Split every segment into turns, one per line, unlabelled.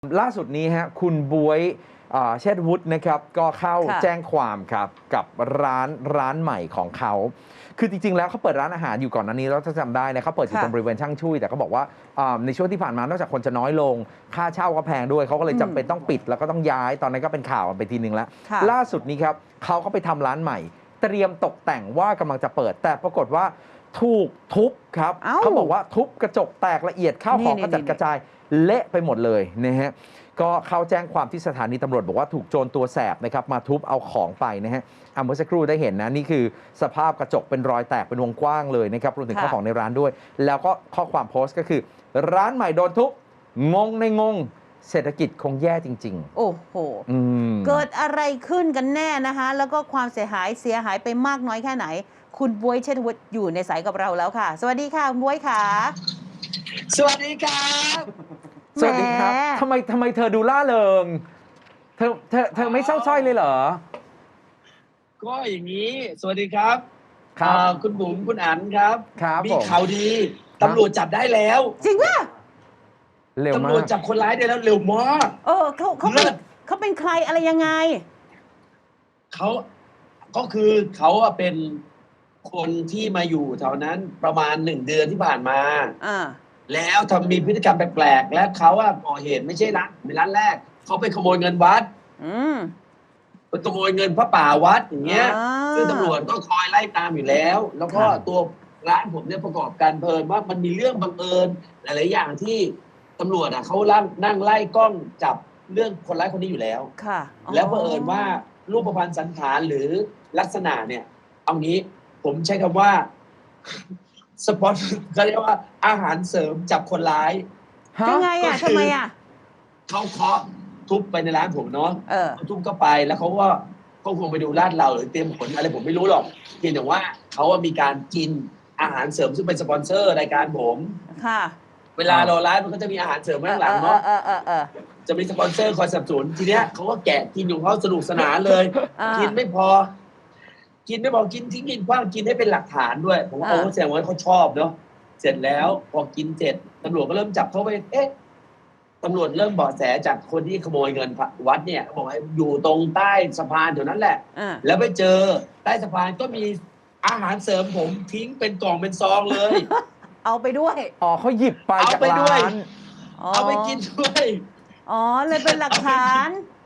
ล่าสุดนี้ฮะคุณบวยเชษฐวุฒินะครับก็เข้าแจ้งความครับกับร้านใหม่ของเขาคือจริงๆแล้วเขาเปิดร้านอาหารอยู่ก่อนหน้านี้แล้วถ้าจำได้นะเขาเปิดอยู่ตรงบริเวณช่างชุยแต่เขาบอกว่าในช่วงที่ผ่านมานอกจากคนจะน้อยลงค่าเช่าก็แพงด้วยเขาก็เลยจำเป็นต้องปิดแล้วก็ต้องย้ายตอนนั้นก็เป็นข่าวไปทีนึงแล้วล่าสุดนี้ครับเขาก็ไปทำร้านใหม่เตรียมตกแต่งว่ากำลังจะเปิดแต่ปรากฏว่าถูกทุบครับเขาบอกว่าทุบกระจกแตกละเอียดข้าวของกระจัดกระจายเละไปหมดเลยนะฮะก็เข้าแจ้งความที่สถานีตำรวจบอกว่าถูกโจรตัวแสบนะครับมาทุบเอาของไปนะฮะเมื่อสักครู่ได้เห็นนะนี่คือสภาพกระจกเป็นรอยแตกเป็นวงกว้างเลยนะครับรวมถึงข้าวของในร้านด้วยแล้วก็ข้อความโพสต์ก็คือร้านใหม่โดนทุบงงในงงเศรษฐกิจคงแย่จริงๆ
โอ้โหเกิดอะไรขึ้นกันแน่นะคะแล้วก็ความเสียหายไปมากน้อยแค่ไหนคุณบ๊วยเชษฐวุฒิอยู่ในสายกับเราแล้วค่ะสวัสดีค่ะคุณบ๊วยค่ะ
สวัสดีครับ
สวัสดีครับทำไมเธอดูล่าเริงเธอไม่เศร้าส้อยเลยเหรอ
ก็อย่างนี้สวัสดีครับคุณบุ๋มคุณอั๋นครับ
มี
ข่าวดีตำรวจจับได้แล้ว
จริงป่ะ
เร็วมาก
ตำรวจจับคนร้ายได้แล้วเร็วมาก
เขาเป็นใครอะไรยังไง
เขาก็คือเขาเป็นคนที่มาอยู่แถวนั้นประมาณ1 เดือนที่ผ่านมาแล้วมีพฤติกรรมแปลกๆและเขาก่อเหตุไม่ใช่ร้านแรกเขาไปขโมยเงินวัดไปขโมยเงินพระป่าวัดอย่างเงี้ยซึ่งตำรวจก็คอยไล่ตามอยู่แล้วแล้วก็ตัวร้านผมเนี่ยประกอบการเพลินว่ามันมีเรื่องบังเอิญหลายๆอย่างที่ตำรวจเขานั่งไล่กล้องจับเรื่องคนร้ายคนนี้อยู่แล้วแล้วบังเอิญว่ารูปพรรณสันฐานหรือลักษณะเนี่ยเอางี้ผมใช้คำว่าสปอตเขาเรียกว่าอาหารเสริมจับคนร้าย
ยังไงทำไม
เขาเคาะทุบไปในร้านผมเนาะทุบก็ไปแล้วเขาก็คงไปดูลาดเราหรือเตรียมขนอะไรผมไม่รู้หรอกเพียงแต่ว่าเขามีการกินอาหารเสริมซึ่งเป็นสปอนเซอร์รายการผมเวลาเราไลฟ์มันก็จะมีอาหารเสริมข้างหลังเนาะจะมีสปอนเซอร์คอยสนับสนุนทีเนี้ยเขาก็แกะกินของเขาสนุกสนานเลยกินไม่พอกินทิ้งกินคว้างกินให้เป็นหลักฐานด้วยผมว่าแสดงว่าเขาชอบเนาะเสร็จแล้วพอกินเสร็จตำรวจก็เริ่มจับเขาไปตำรวจเริ่มเบาะแสจากคนที่ขโมยเงินวัดเนี่ยบอกว่าอยู่ตรงใต้สะพานแถวนั้นแหละแล้วไปเจอใต้สะพานก็มีอาหารเสริมผมทิ้งเป็นกล่องเป็นซองเลย
เอาไปด้วย
เขาหยิบไปจากร้าน
เอาไปกินด้วย
เลยเป็นหลักฐาน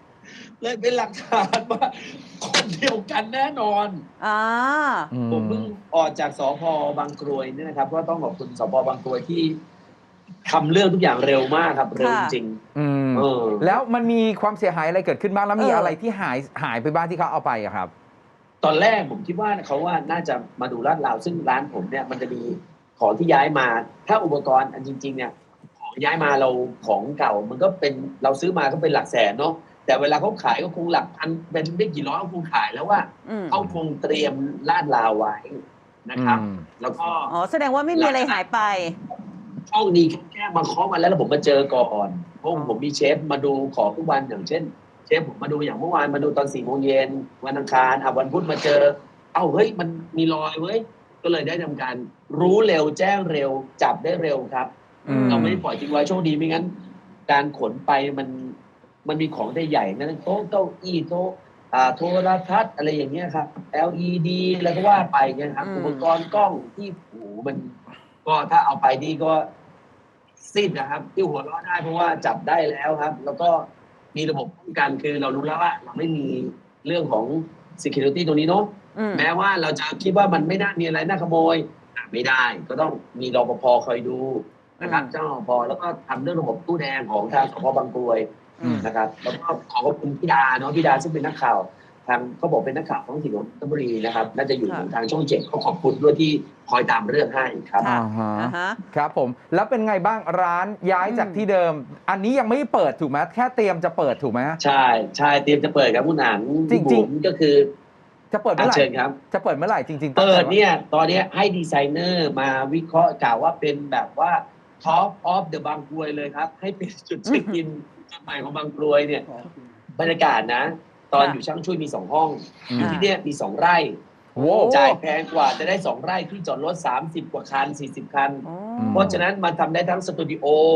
ว่าคนเดียวกันแน่นอนผมเพิ่งออกจากสภ.บางกรวยนี่นะครับก็ต้องขอบคุณสภ.บางกรวยที่ทำเรื่องทุกอย่างเร็วมากครับเร็วจริง
แล้วมันมีความเสียหายอะไรเกิดขึ้นบ้างแล้วมีอะไรที่หายไปบ้างที่เขาเอาไปอะครับ
ตอนแรกผมคิดว่าเขาน่าจะมาดูลาดราวซึ่งร้านผมเนี่ยมันจะมีของที่ย้ายมาถ้าอุปกรณ์อันจริงๆเนี่ยของย้ายมาเราของเก่ามันก็เป็นเราซื้อมาก็เป็นหลักแสนเนาะแต่เวลาเขาขายก็คงหลักพันเป็นไม่กี่ร้อยเขาคงขายแล้วว่าเขาคงเตรียมลาดราวไว้นะครับแล้วก็
แสดงว่าไม่มีอะไรหายไป
ห้องนี้แค่มาเคาะมาแล้วผมมาเจอก่อนเพราะผมมีเชฟมาดูของทุกวันอย่างเช่นเชฟผมมาดูอย่างเมื่อวานมาดูตอน4 โมงเย็นวันอังคารวันพุธมาเจอเฮ้ยมันมีรอยเว้ยก็เลยได้ทำการรู้เร็วแจ้งเร็วจับได้เร็วครับเราไม่ปล่อยทิ้งไว้โชคดีไม่งั้นการขนไปมันมีของได้ใหญ่นั่นโต๊ะเก้าอี้โต๊ะโทรทัศน์อะไรอย่างเงี้ยครับ LED แล้วก็ว่าไปเนี่ยครับอุปกรณ์กล้องที่มันก็ถ้าเอาไปนี่ก็สิ้นนะครับที่หัวเราะได้เพราะว่าจับได้แล้วครับแล้วก็มีระบบป้องกันคือเรารู้แล้วว่าเราไม่มีเรื่องของ security ตรงนี้เนาะแม้ว่าเราจะคิดว่ามันไม่น่ามีอะไรน่าขโมยไม่ได้ก็ต้องมีรปภคอยดูนะครับเจ้ารปภแล้วก็ทำเรื่องระบบตู้แดงของทางสภ.บางกรวยนะครับแล้วก็ขอบคุณพี่ดาเนาะพี่ดาซึ่งเป็นนักข่าวทางเขาบอกเป็นนักข่าวท้องถิ่นนนทบุรีนะครับน่าจะอยู่ทางช่อง7เขาขอบคุณด้วยที่คอยตามเรื่องให้ครับ
ครับผมแล้วเป็นไงบ้างร้านย้ายจากที่เดิมอันนี้ยังไม่เปิดถูกไหมแค่เตรียมจะเปิดถูกไหม
ใช่เตรียมจะเปิดครับคุณอั๋น
จริงๆ
ก็คือ
จะเปิดเมื่อไหร่
เชิญครับ
จะเปิดเมื่อไหร่จริง
ๆเปิดเนี่ยตอนนี้ให้ดีไซเนอร์มาวิเคราะห์กล่าวว่าเป็นแบบว่า Top of the บางกรวยเลยครับให้เป็นจุดเช็คอินจุดใหม่ของบางกรวยเนี่ยบรรยากาศนะตอนอยู่ช่างช่วยมี2 ห้องอยู่ที่เนี่ยมี2 ไร่จ่ายแพงกว่าจะได้2 ไร่ที่จอดรถ30 กว่าคัน40 คันเพราะฉะนั้นมันทำได้ทั้งสตูดิโอ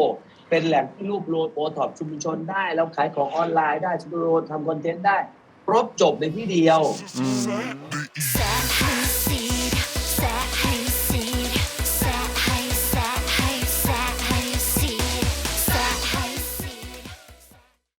เป็นแหล่งที่รวบรวมโอท็อปชุมชนได้แล้วขายของออนไลน์ได้ชุมชนทำคอนเทนต์ได้ครบจบในที่เดียว
อืม